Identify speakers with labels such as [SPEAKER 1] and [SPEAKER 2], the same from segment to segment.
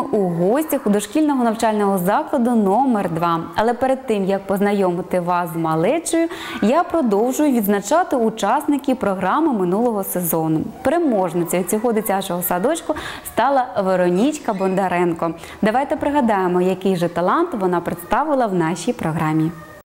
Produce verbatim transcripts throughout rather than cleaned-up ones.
[SPEAKER 1] у гостях у дошкільного навчального закладу номер два. Але перед тим, як познайомити вас з малечею, я продовжую відзначати учасників програми минулого сезону. Переможницею цього дитячого садочку стала Веронічка Бондаренко. Давайте пригадаємо, який же талант вона представила в нашій програмі.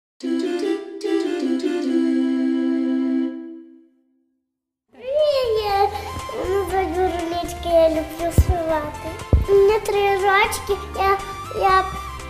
[SPEAKER 2] Я люблю співати. У мене три рочки, я, я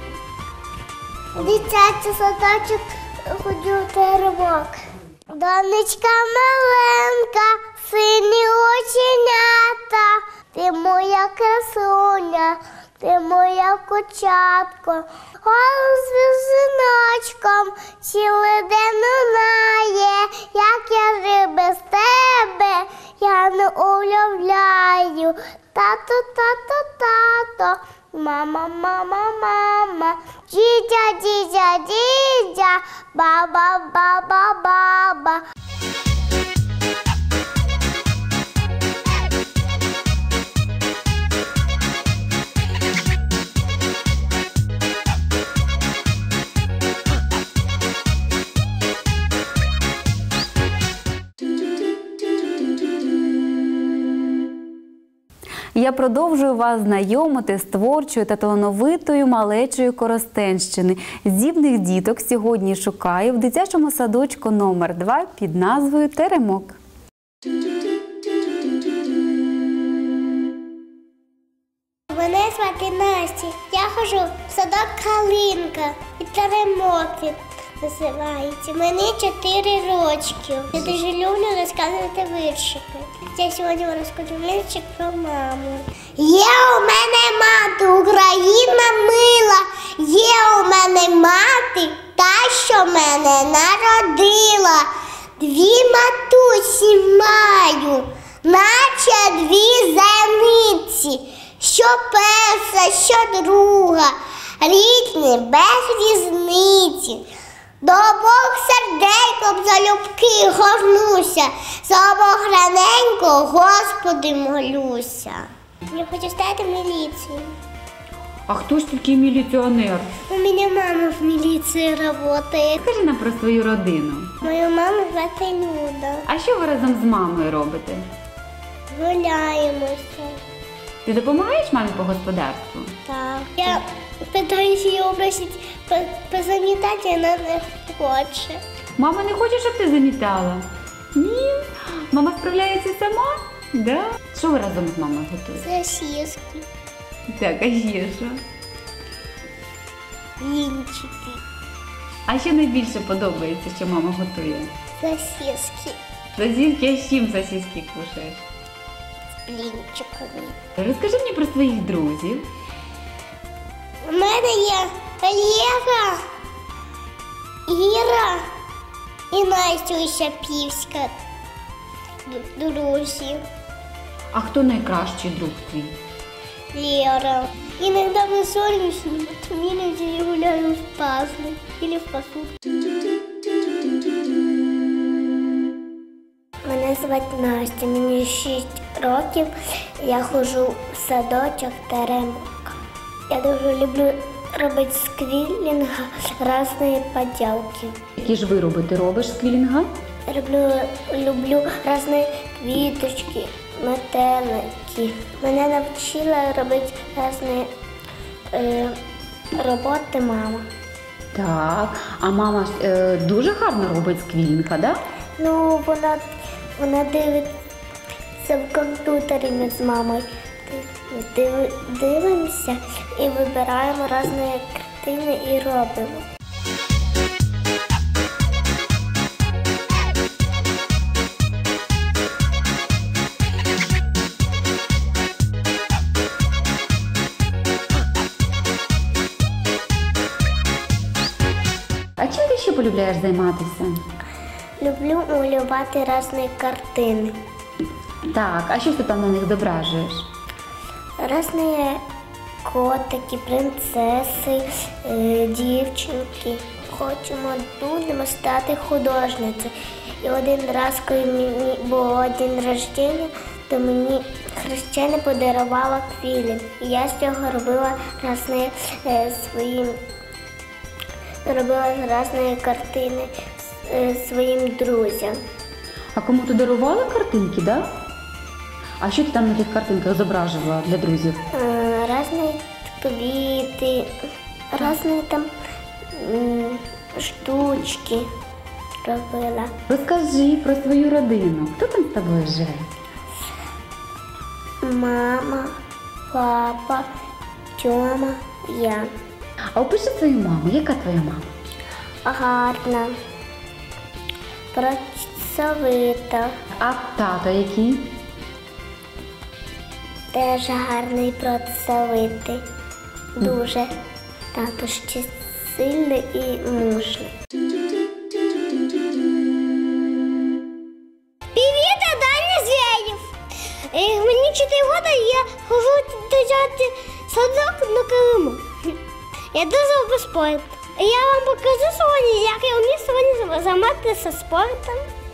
[SPEAKER 2] в дитячий садочок ходжу в теремок. Донечка маленька, сині оченята, ти моя красуня, ти моя кучатко. Голос візиночком цілий день лунає, як я жив без тебе, я не уявляю. Тато, тато, тато, мама, мама, мама, дідя, дідя, дідя, баба, баба, баба.
[SPEAKER 1] Я продовжую вас знайомити з творчою та талановитою малечею Коростенщини. Здібних діток сьогодні шукаю в дитячому садочку номер два під назвою «Теремок».
[SPEAKER 2] Мене звати Настя. Я ходжу в садок Калинка і Теремок називається. Мені чотири рочки. Я дуже люблю розказувати віршики. Я сьогодні розкажу віршик про маму. Є у мене мати, Україна мила, є у мене мати, та, що мене народила. Дві матусі маю, наче дві зениці, що перша, що друга, рідні без різниці. До обох серденьком залюбки горнуся, за обох раненько Господи молюся. Я хочу стати в міліцію.
[SPEAKER 1] А хто ж такий міліціонер?
[SPEAKER 2] У мене мама в міліції працює.
[SPEAKER 1] Скажи нам про свою родину.
[SPEAKER 2] Мою маму звати Люда.
[SPEAKER 1] А що ви разом з мамою робите?
[SPEAKER 2] Гуляємося.
[SPEAKER 1] Ти допомагаєш мамі по господарству?
[SPEAKER 2] Так. Я питаюся її обросити позамітати, а вона не хоче.
[SPEAKER 1] Мама не хоче, щоб ти замітала? Ні. Мама справляється сама? Да. Що ви разом з мамою готуєте?
[SPEAKER 2] Сосиски.
[SPEAKER 1] Так, а ще що?
[SPEAKER 2] Блінчики.
[SPEAKER 1] А що найбільше подобається, що мама готує?
[SPEAKER 2] Сосиски.
[SPEAKER 1] Сосиски, а з чим сосиски кушаєш?
[SPEAKER 2] З блінчиками.
[SPEAKER 1] Розкажи мені про своїх друзів.
[SPEAKER 2] У мене є Олега, Іра і Настя Шапівська, друзі.
[SPEAKER 1] А хто найкращий друг твій?
[SPEAKER 2] Лера. Иногда мы ссоримся, иноді я гуляю в пазлы или в посудку. Мене звати Настя, мені шість років, я ходжу в садочок Теремок. Я дуже люблю робити з квілінга різні поділки.
[SPEAKER 1] Які ж вироби ти робиш з квілінга?
[SPEAKER 2] Люблю, люблю різні квіточки, метелики. Мене навчила робити різні е, роботи мама.
[SPEAKER 1] Так, а мама е, дуже гарно робить з квілінга, да?
[SPEAKER 2] Ну, вона, вона дивиться в комп'ютері ми з мамою. Див, дивимося і вибираємо різні картини і робимо.
[SPEAKER 1] А чим ти ще полюбляєш займатися?
[SPEAKER 2] Люблю малювати різні картини.
[SPEAKER 1] Так, а що ти там на них зображуєш?
[SPEAKER 2] Різні котики, принцеси, е, дівчинки. Хочемо, будемо стати художницею. І один раз, коли мені було день народження, то мені хрещена подарувала квілі. І я з цього робила різні е, свої, робила різні картини е, своїм друзям.
[SPEAKER 1] А кому ти дарувала картинки, да? А що ти там на тих картинках зображувала для друзів?
[SPEAKER 2] Е, Різні квіти, різні там м, штучки робила.
[SPEAKER 1] Розкажи про свою родину. Хто там з тобою живе?
[SPEAKER 2] Мама, папа, Тьома, я.
[SPEAKER 1] А опиши свою маму. Яка твоя мама?
[SPEAKER 2] Гарна, працьовита,
[SPEAKER 1] А тато який?
[SPEAKER 2] теж гарний, працьовитий. Дуже. Тато ще сильний і мужний. Привіт, Даня Зверев. Мені чотири роки, я хожу дитячий садок на Криму. Я дуже люблю спорт. Я вам покажу сьогодні, як я вмію сьогодні займатися спортом.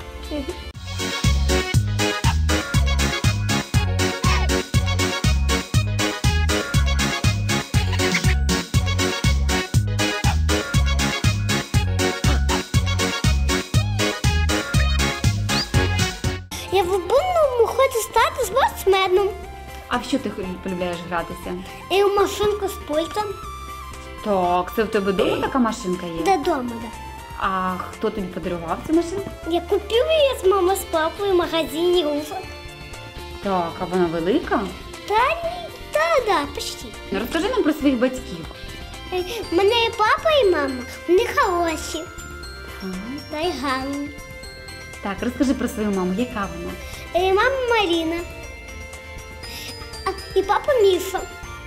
[SPEAKER 2] Я в будь-якому хочу стати спортсменом.
[SPEAKER 1] А в що ти полюбляєш гратися?
[SPEAKER 2] І в машинку з пультом.
[SPEAKER 1] Так, це в тебе вдома така машинка є?
[SPEAKER 2] Додому, так.
[SPEAKER 1] А хто тобі подарував цю машинку?
[SPEAKER 2] Я купила її з мамою, з папою в магазині «Руфок».
[SPEAKER 1] Так, а вона велика?
[SPEAKER 2] Та ні, та, да, почти.
[SPEAKER 1] Ну, розкажи нам про своїх батьків.
[SPEAKER 2] Е, в мене і папа, і мама, вони хороші,
[SPEAKER 1] Ага.
[SPEAKER 2] та й гарні.
[SPEAKER 1] Так, розкажи про свою маму. Яка вона?
[SPEAKER 2] Е, мама Маріна, а, і папа Міша,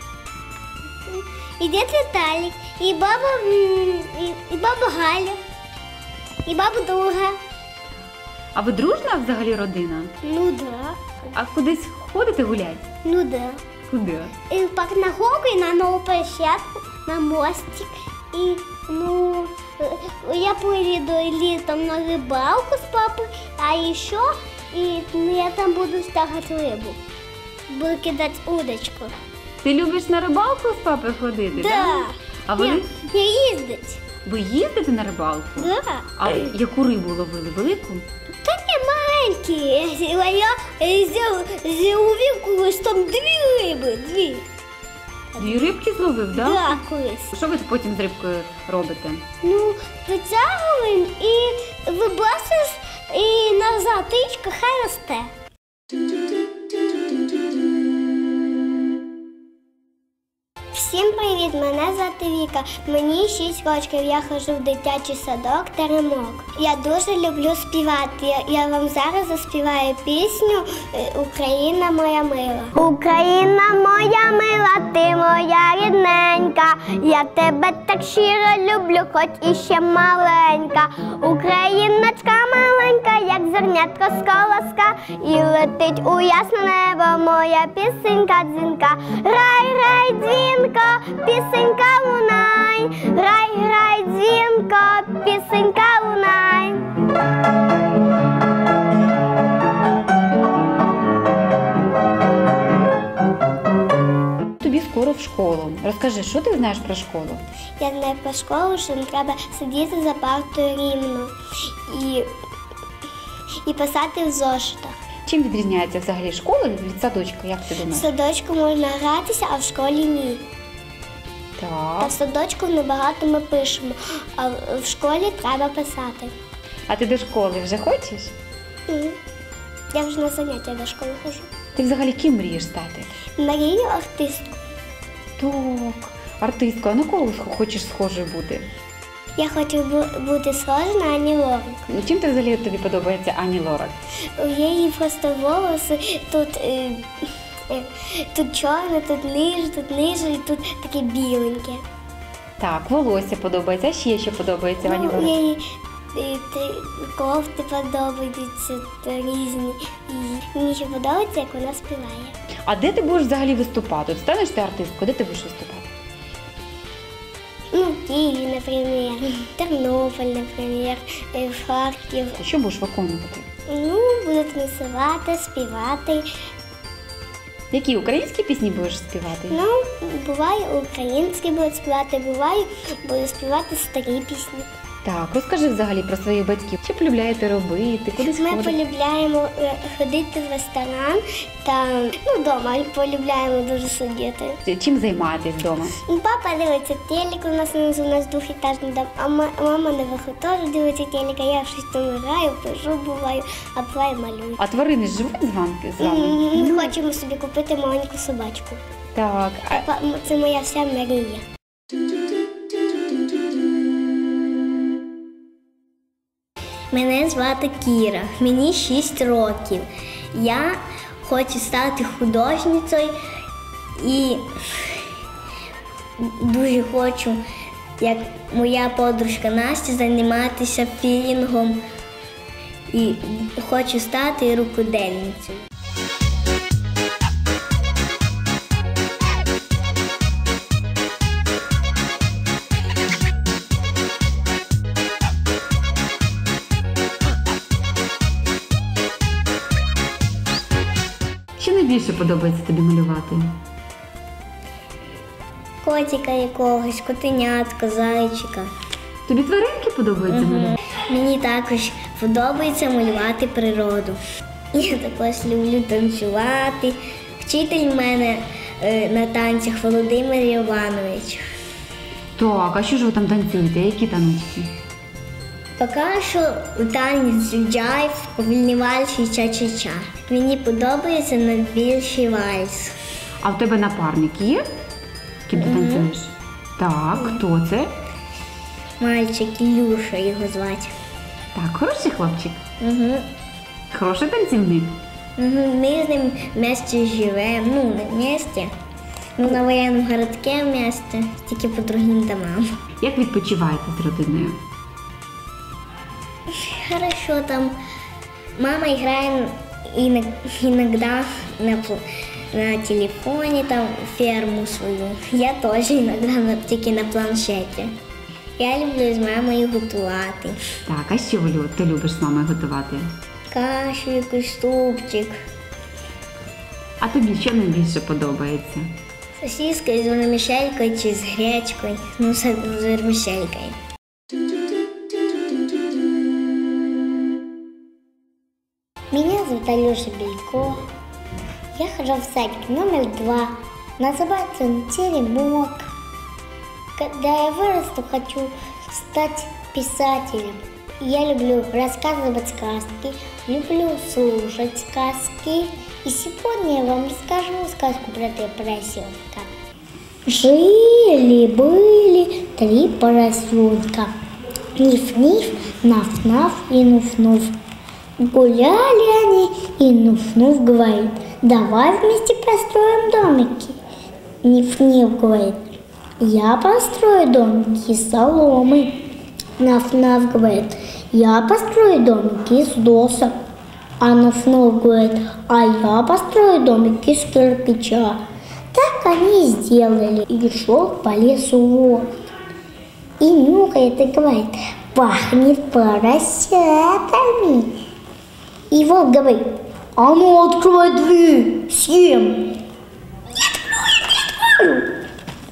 [SPEAKER 2] і дід Віталік, і баба, м, і, і баба Галя, і баба Друга.
[SPEAKER 1] А ви дружна взагалі родина?
[SPEAKER 2] Ну да,
[SPEAKER 1] А кудись ходите гуляти?
[SPEAKER 2] ну да.
[SPEAKER 1] Куди?
[SPEAKER 2] И пак на горку, и на новую площадку, на мостик. И, ну, э, я поеду летом на рыбалку с папой, а еще и, ну, я там буду стягать рыбу. Буду кидать удочку.
[SPEAKER 1] Ти любиш на рибалку з папою ходити?
[SPEAKER 2] Да.
[SPEAKER 1] А вони?
[SPEAKER 2] Не, не ездить.
[SPEAKER 1] Ви їздите на рибалку?
[SPEAKER 2] Да.
[SPEAKER 1] А яку рибу ловили? Велику?
[SPEAKER 2] Да не маленькие. А я э, взял, взял увидел, что там две рыбы, две.
[SPEAKER 1] Дві рибки зловив, да?
[SPEAKER 2] Да, колись.
[SPEAKER 1] Що ви потім з рибкою робите?
[SPEAKER 2] Ну, витягуємо і вибрасуєш, і назад річка хай росте. Всім привіт! Мене звати Віка. Мені шість років. Я ходжу в дитячий садок Теремок. Я дуже люблю співати. Я, я вам зараз заспіваю пісню «Україна моя мила». Україна моя мила, ти моя рідненька. Я тебе так щиро люблю, хоч іще маленька. Україночка маленька, як зернятко з колоска. І летить у ясне небо моя пісенька дзвінка. Рай, рай, дзвінка, пісенька лунай, грай, грай, дзвінко, пісенька лунай.
[SPEAKER 1] Тобі скоро в школу. Розкажи, що ти знаєш про школу?
[SPEAKER 2] Я знаю про школу, що не треба сидіти за партою рівно і, і писати в зошитах.
[SPEAKER 1] Чим відрізняється взагалі школа від садочка, як ти
[SPEAKER 2] В
[SPEAKER 1] думаєш?
[SPEAKER 2] садочку можна гратися, а в школі ні. А
[SPEAKER 1] Так.
[SPEAKER 2] в садочку небагато ми пишемо, а в школі треба писати.
[SPEAKER 1] А ти до школи вже хочеш?
[SPEAKER 2] Ні. Я вже на заняття до школи хожу.
[SPEAKER 1] Ти взагалі ким мрієш стати?
[SPEAKER 2] Мрію артистку.
[SPEAKER 1] Так, артистка, а на кого хочеш схожою бути?
[SPEAKER 2] Я хочу бу- бути схожа на Ані Лорак.
[SPEAKER 1] Ну, чим ти взагалі тобі подобається Ані Лорак?
[SPEAKER 2] У її просто волоси тут, е, е, тут чорне, тут ниже, тут ниже і тут таке біленьке.
[SPEAKER 1] Так, волосся подобається, а ще що подобається в Ані
[SPEAKER 2] Ну,
[SPEAKER 1] Лорак?
[SPEAKER 2] їй е, те- кофти подобаються та різні. І мені ще подобається, як вона співає.
[SPEAKER 1] А де ти будеш взагалі виступати? От станеш ти артисткою, де ти будеш виступати?
[SPEAKER 2] Ну, в Києві, наприклад, Тернополь, наприклад, е, в Харків.
[SPEAKER 1] Що будеш виконувати?
[SPEAKER 2] Ну, буду танцювати, співати.
[SPEAKER 1] Які українські пісні будеш співати?
[SPEAKER 2] Ну, буває українські будуть співати, буває буду співати старі пісні.
[SPEAKER 1] Так, розкажи взагалі про своїх батьків. Що полюбляєте робити, кудись
[SPEAKER 2] Ми
[SPEAKER 1] ходите?
[SPEAKER 2] полюбляємо е, ходити в ресторан та ну, вдома полюбляємо дуже сидіти.
[SPEAKER 1] Чим займаєтесь вдома?
[SPEAKER 2] Папа дивиться телек, у нас у нас двохетажний дом, а ма- мама наверху теж дивиться телек, а я щось там граю, пишу, буваю, а буває малюю.
[SPEAKER 1] А тварини живуть з вами? З вами?
[SPEAKER 2] М, Ми хочемо собі купити маленьку собачку.
[SPEAKER 1] Так, а
[SPEAKER 2] Па- Це моя вся мрія. Мене звати Кіра, мені шість років. Я хочу стати художницею і дуже хочу, як моя подружка Настя, займатися філінгом і хочу стати рукодільницею.
[SPEAKER 1] що найбільше подобається тобі малювати?
[SPEAKER 2] Котика якогось, котенятка, зайчика.
[SPEAKER 1] Тобі тваринки подобаються малювати?
[SPEAKER 2] Мені також подобається малювати природу. Я також люблю танцювати. Вчитель в мене е, на танцях Володимир Іванович.
[SPEAKER 1] Так, а що ж ви там танцюєте? Які таночки?
[SPEAKER 2] Поки що у танець джайв, повільний вальс і ча-ча-ча. Мені подобається найбільший вальс.
[SPEAKER 1] А в тебе напарник є? З ким ти танцюєш? Так, хто це?
[SPEAKER 2] Мальчик Ілюша його звати.
[SPEAKER 1] Так, хороший хлопчик.
[SPEAKER 2] Угу.
[SPEAKER 1] Хороший танцівник.
[SPEAKER 2] Угу. Ми з ним вместе живемо, ну не вместе, ну на воєнному городку вместе, тільки по другим домам.
[SPEAKER 1] Як відпочиваєте з родиною?
[SPEAKER 2] Хорошо, там мама играет иногда на, пл- на телефоне, там ферму свою. Я тоже иногда на, тільки на планшеті. Я люблю з мамою готувати.
[SPEAKER 1] Так, а що ви лю- ти любиш з мамою готувати?
[SPEAKER 2] Кашу, якийсь супчик,
[SPEAKER 1] А тобі що найбільше подобається?
[SPEAKER 2] сосиска з вермішелькою чи з гречкою, ну з з вермішелькою. Меня зовут Алёша Белько. Я хожу в садик номер два. Называется он «Теремок». Когда я вырасту, хочу стать писателем. Я люблю рассказывать сказки, люблю слушать сказки. И сегодня я вам расскажу сказку про три поросенка. Жили-были три поросенка. Ниф-ниф, наф-наф и нуф-нуф. Гуляли они, и Нуф-Нуф говорит: давай вместе построим домики. Ниф-Ниф говорит: я построю домики из соломы. Наф-Наф говорит: я построю домики из досок. А Нуф-Нуф говорит: а я построю домики из кирпича. Так они и сделали. И шел по лесу волк. И нюхает и говорит: пахнет поросятами. И волк говорит: а ну открывай дверь, съем. Не открою, не открою.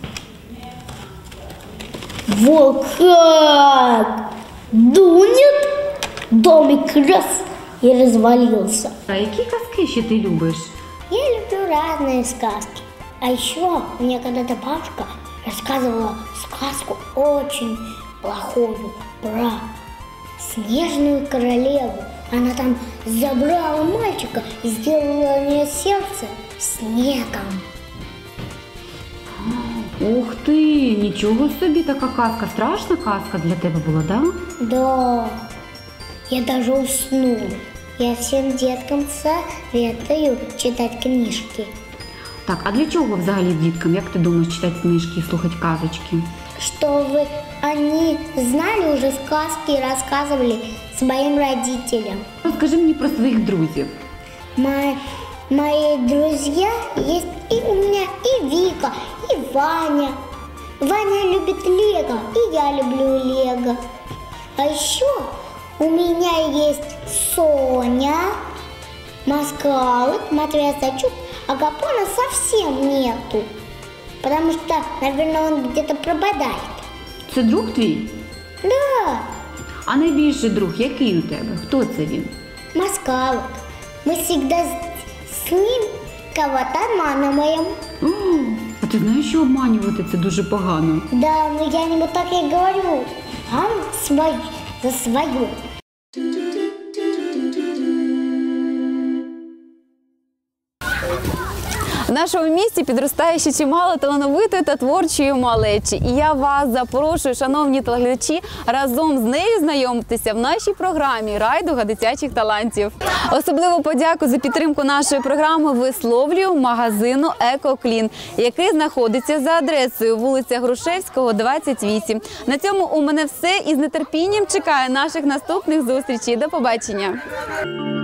[SPEAKER 2] Волк как дунет, домик раз и развалился.
[SPEAKER 1] А які казки ще ти любиш?
[SPEAKER 2] Я люблю разные сказки. А еще мне когда-то бабушка рассказывала сказку очень плохую про снежную королеву. Она там забрала мальчика и сделала у нее сердце снегом.
[SPEAKER 1] Ух ти, нічого собі, така казка. Страшна казка для тебе була, да?
[SPEAKER 2] Да, я даже уснула. Я всем деткам советую читать книжки,
[SPEAKER 1] Так, а для чого взагалі діткам, як ти думаєш, читати книжки і слухати казочки?
[SPEAKER 2] чтобы они знали уже сказки и рассказывали своим родителям.
[SPEAKER 1] Розкажи мені про своїх друзів.
[SPEAKER 2] Мои, мои друзья есть и у меня, и Вика, и Ваня. Ваня любит Лего, и я люблю Лего. А еще у меня есть Соня, Москалык, Матвей Сачук, а Гапона совсем нету. Потому что, наверное, он где-то пропадает.
[SPEAKER 1] Це друг твій?
[SPEAKER 2] Да,
[SPEAKER 1] А найбільший друг, який у тебе? Хто це він?
[SPEAKER 2] Москалок. Мы всегда с, с ним кого-то обманываем.
[SPEAKER 1] О, а ти знаєш, що обманювати це дуже погано?
[SPEAKER 2] Да, но я ему так и говорю. Он свой, за свою.
[SPEAKER 1] В нашому місті підростає ще чимало талановитої та творчої малечі. І я вас запрошую, шановні телеглядачі, разом з нею знайомитися в нашій програмі «Райдуга дитячих талантів». Особливу подяку за підтримку нашої програми висловлюю магазину «Екоклін», який знаходиться за адресою вулиця Грушевського, двадцять вісім. На цьому у мене все і з нетерпінням чекаю наших наступних зустрічей. До побачення!